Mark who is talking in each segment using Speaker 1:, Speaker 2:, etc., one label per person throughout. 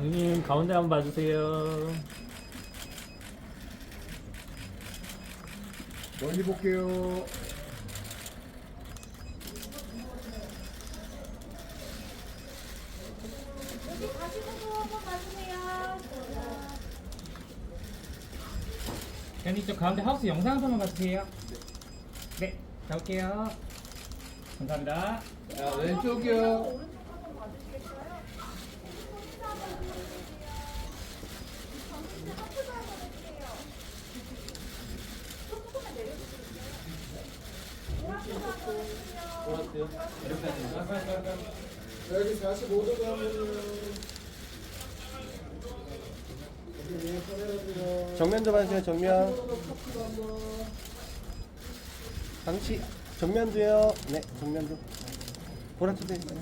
Speaker 1: 형님 가운데 한번 봐주세요.
Speaker 2: 멀리 볼게요.
Speaker 3: 여기 가시고도 한번 봐주세요.
Speaker 1: 형님 저 가운데 하우스 영상 한 번만 봐주세요. 네, 가볼게요. 감사합니다.
Speaker 4: 자, 왼쪽이요.
Speaker 3: 오른쪽 한번 봐주시겠어요? 인사 한번 부탁드릴게요. 정민씨 하트도 한번 해주세요. 조금만 내려주세요. 오른쪽 한번 해주세요.
Speaker 2: 여기 45도도 하면은 여기 카메라도요.
Speaker 5: 정면도 봐주세요. 정면.
Speaker 2: 커피도 한번.
Speaker 5: 방치 정면도요. 네, 정면도. 보라트도 있어요.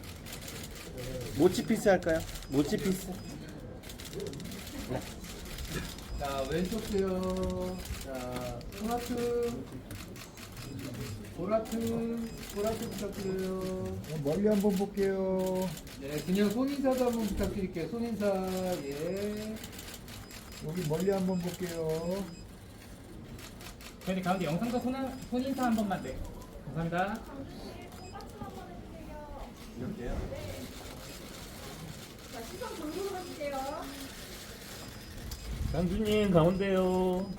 Speaker 5: 모치 피스 할까요? 모치 피스. 네.
Speaker 4: 자, 왼쪽도요. 자, 보라트 부탁드려요.
Speaker 2: 멀리 한번 볼게요.
Speaker 4: 네, 그냥 손인사도 한번 부탁드릴게요. 손인사, 예.
Speaker 2: 여기 멀리 한번 볼게요.
Speaker 1: 형님 가운데 영상도 손인사 한 번만. 네, 감사합니다.
Speaker 3: 정민씨 콩깍지 한번 해주세요.
Speaker 5: 이렇게요.
Speaker 3: 자, 시선 돌고 해주세요.
Speaker 1: 장주님 가운데요.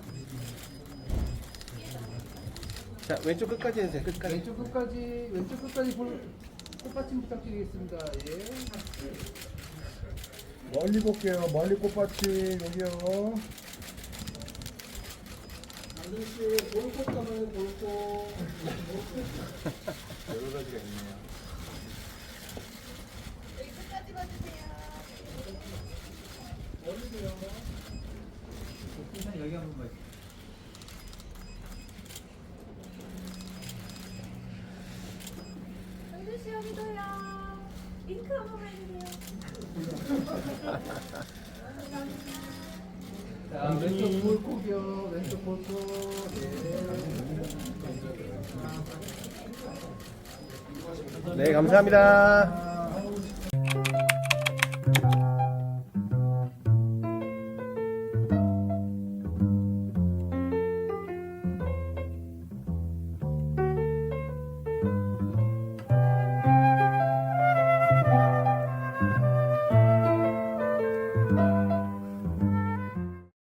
Speaker 5: 자, 왼쪽 끝까지 해주세요. 끝까지.
Speaker 4: 왼쪽 끝까지 꽃받침 부탁드리겠습니다. 예.
Speaker 2: 멀리 볼게요. 멀리 꽃밭이 여기요. 안준씨 볼꽃 가면 볼꽃. 여러 가지가 있네요.
Speaker 3: 여기 끝까지 봐주세요.
Speaker 2: 멀리도요.
Speaker 4: 손인사 여기 한 번만.
Speaker 3: 정민씨 여기도요. 링크 한번 해주세요.
Speaker 4: 자, 왼쪽 볼콕이요. 왼쪽 볼콕. 예.
Speaker 5: 네, 감사합니다.